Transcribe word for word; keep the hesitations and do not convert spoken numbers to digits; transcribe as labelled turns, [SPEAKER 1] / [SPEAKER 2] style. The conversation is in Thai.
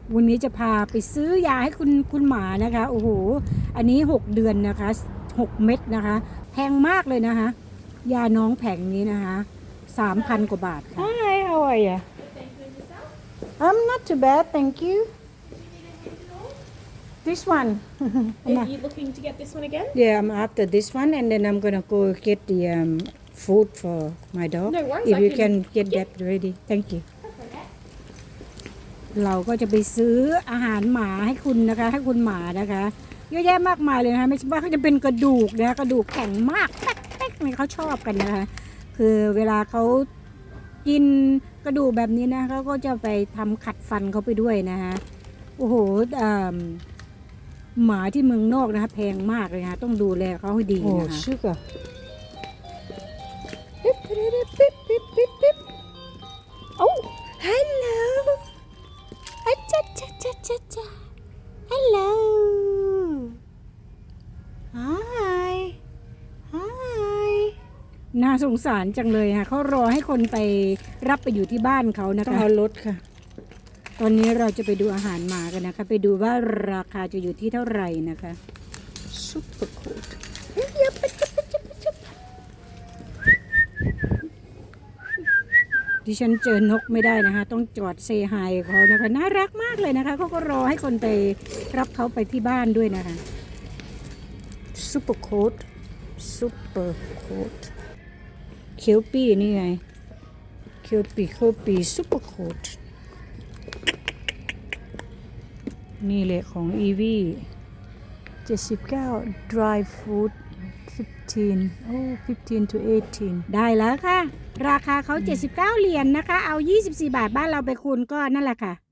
[SPEAKER 1] วันนี้จะพาไปซื้อยาให้คุณคุณหมานะคะโอ้โหอันนี้หกเดือนนะคะหกเม็ดนะคะแพงมากเลยนะคะยาน้องแผงนี้นะคะสามพันกว่าบาทค่ะ Hi how are you I'm not too bad thank you this one
[SPEAKER 2] Are you looking to get this one again?
[SPEAKER 1] yeah I'm after this one and then I'm gonna go get the um, food for my dog
[SPEAKER 2] No worries,
[SPEAKER 1] if
[SPEAKER 2] I
[SPEAKER 1] you
[SPEAKER 2] can-
[SPEAKER 1] can get that ready thank you เราก็จะไปซื้ออาหารหมาให้คุณนะคะให้คุณหมานะคะเยอะแยะมากมายเลยนะคะไม่ใช่ว่าเขาจะเป็นกระดูกนะกระดูกแข็งมากแป๊กๆเนี่ยเขาชอบกันนะคะคือเวลาเขากินกระดูกแบบนี้นะเขาก็จะไปทำขัดฟันเขาไปด้วยนะคะโอ้โหหมาที่เมืองนอกนะคะแพงมากเลยนะคะต้องดูแลเขาให้ดีนะคะ sugar ปิ๊บปิ๊บปิ๊บปิ๊บปิ๊บปิ๊บโอ้ helloอาจ้าจ้าจ้าจ้าจ้า hello hi hi น่าสงสารจังเลยค่ะเขารอให้คนไปรับไปอยู่ที่บ้านเขานะคะต้องเอารถค่ะตอนนี้เราจะไปดูอาหารหมากันนะคะไปดูว่าราคาจะอยู่ที่เท่าไหร่นะคะ super cool ดิฉันเจอนกไม่ได้นะคะต้องจอดเซฮายเขานะคะน่ารักมากเลยนะคะเขาก็รอให้คนไปรับเขาไปที่บ้านด้วยนะคะซุปเปอร์โค้ดซุปเปอร์โค้ดเคียวปี้นี่ไงเคียวปี้เคียวปี้ซุปเปอร์โค้ดนี่แหละของอีวีเจ็ดสิบเก้า dry food fifteen โอ้ fifteen to eighteen ได้แล้วค่ะราคาเขาเจ็ดสิบเก้าเหรียญนะคะเอายี่สิบสี่บาทบ้านเราไปคูณก็นั่นแหละค่ะ